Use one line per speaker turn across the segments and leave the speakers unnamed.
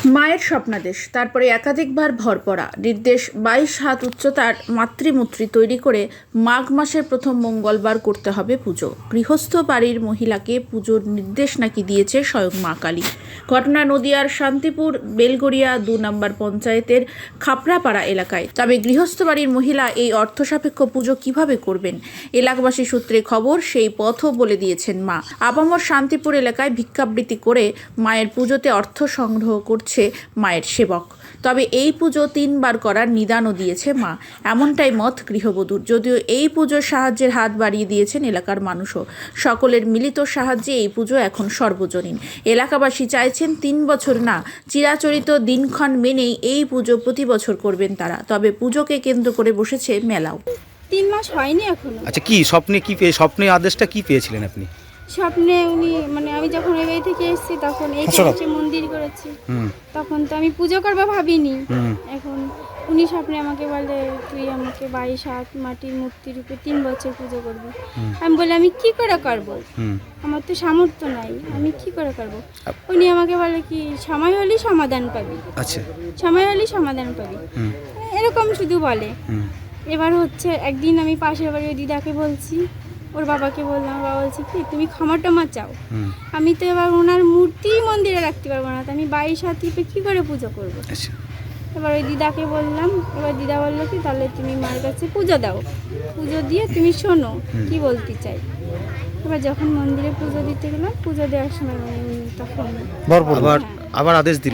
মায়ের স্বপ্নাদেশ, তারপরে একাধিকবার ভরপড়া নির্দেশ। 22 হাত উচ্চতার মাতৃমূর্তি তৈরি করে মাঘ মাসের প্রথম মঙ্গলবার করতে হবে পুজো। গৃহস্থ বাড়ির মহিলাকে পুজোর নির্দেশ নাকি দিয়েছে স্বয়ং মা কালী। ঘটনা নদিয়ার শান্তিপুর বেলগড়িয়া 2 নম্বর পঞ্চায়েতের খাপড়াপাড়া এলাকায়। তবে গৃহস্থ বাড়ির মহিলা এই অর্থসাপেক্ষ পুজো কিভাবে করবেন, এলাকাবাসী সূত্রে খবর সেই পথও বলে দিয়েছেন মা। আপামর শান্তিপুর এলাকায় ভিক্ষাবৃত্তি করে মায়ের পুজোতে অর্থ সংগ্রহ করছে মায়ের সেবক। তবে এই পুজো 3 বার করার নিদানও দিয়েছে মা, এমনটাই মত গৃহবধূর। যদিও এই পুজোর সাহায্যের হাত বাড়িয়ে দিয়েছেন এলাকার মানুষও। সকলের মিলিত সাহায্যে এই পুজো এখন সর্বজনীন। এলাকাবাসী চাইছেন 3 বছর না, চিরাচরিত দিনক্ষণ মেনেই এই পুজো প্রতি বছর করবেন তারা। তবে পুজোকে কেন্দ্র করে বসেছে মেলাও।
3 মাস হয়নি এখনো।
আচ্ছা, কি স্বপ্নে আদেশটা কি পেয়েছিলেন আপনি?
স্বপ্নে উনি আমি যখন এই বাড়ি থেকে এসেছি তখন এই কাছে মন্দির করেছি, তখন তো আমি পুজো করবো ভাবিনি। এখন উনি স্বপ্নে আমাকে বলে, তুই আমাকে 22 হাত মাটির মূর্তির উপরে 3 বছর পুজো করবি। আমি বলি, আমি কি করে করবো, আমার তো সামর্থ্য নাই, আমি কি করে করবো। উনি আমাকে বলে কি, সময় হলেই সমাধান পাবি। আচ্ছা, সময় হলেই সমাধান পাবি, এরকম শুধু বলে। এবার হচ্ছে একদিন আমি পাশের বাড়ির দিদাকে বলছি, ওর বাবাকে বললাম, বাবা বলছি কি, তুমি ক্ষমা টমা চাও। আমি তো এবার ওনার মূর্তি মন্দিরে রাখতে পারবো না, তো আমি 22 হাত টিপে কী করে পুজো করবো। এবার ওই দিদাকে বললাম, এবার দিদা বললো কি, তাহলে তুমি মায়ের কাছে পুজো দাও, পুজো দিয়ে তুমি শোনো কি বলতে চাই। এবার যখন মন্দিরে পুজো দিতে গেলাম, পুজো দেওয়ার সময় তখন
আবার আদেশ দিল।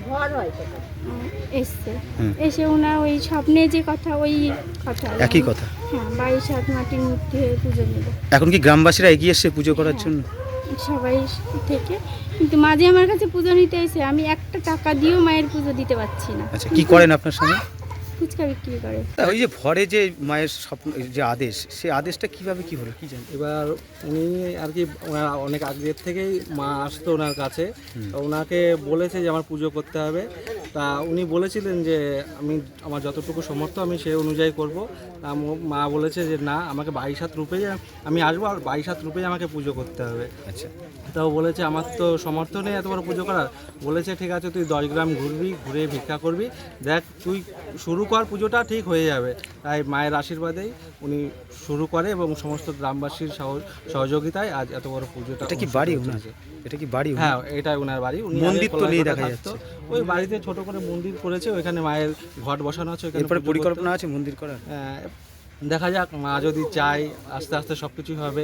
এসছে, এসে ওনার ওই স্বপ্নে যে কথা, ওই কথা
একই কথা।
হ্যাঁ, 22 হাত মাটির মূর্তি হয়ে পুজো নেব।
এখন কি গ্রামবাসীরা এগিয়ে এসছে পুজো করার জন্য?
সবাই থেকে, কিন্তু মাঝে আমার কাছে পুজো নিতে এসে আমি একটা টাকা দিয়েও মায়ের পুজো দিতে পারছি না।
আচ্ছা, কি করেন আপনার সঙ্গে?
ফুচকা বিক্রি করে।
ওই যে ভরে যে মায়ের স্বপ্ন যে আদেশ, সেই আদেশটা কিভাবে কি হলো কি জানেন?
এবার উনি আর কি অনেক আগের থেকেই মা আসতো ওনার কাছে, ওনাকে বলেছে যে আমার পুজো করতে হবে। তা উনি বলেছিলেন যে আমার যতটুকু সামর্থ্য আমি সেই অনুযায়ী করব। তা মা বলেছে যে না, আমাকে 22 হাত রূপেই আমি আসবো, আর 22 হাত রূপেই আমাকে পুজো করতে হবে। আচ্ছা, তাও বলেছে আমার তো সামর্থ্য নেই এত বড় পুজো করার। বলেছে ঠিক আছে, তুই 10 গ্রাম ঘুরবি, ঘুরে ভিক্ষা করবি, দেখ তুই শুরু কর, পুজোটা ঠিক হয়ে যাবে। তাই মায়ের আশীর্বাদেই উনি শুরু করে এবং সমস্ত গ্রামবাসীর সহযোগিতায় আজ এত বড় পুজোটা।
এটা কি বাড়ি ওনার? এটা কি বাড়ি?
হ্যাঁ, এটাই ওনার বাড়ি। উনি
মন্দির তো নেই দেখা যাচ্ছে।
ওই বাড়িতে ছোট করে মন্দির করেছে, ওইখানে মায়ের ঘট বসানো আছে।
এরপরে পরিকল্পনা আছে মন্দির করার।
দেখা যাক, মা যদি চায় আস্তে আস্তে সব কিছুই হবে।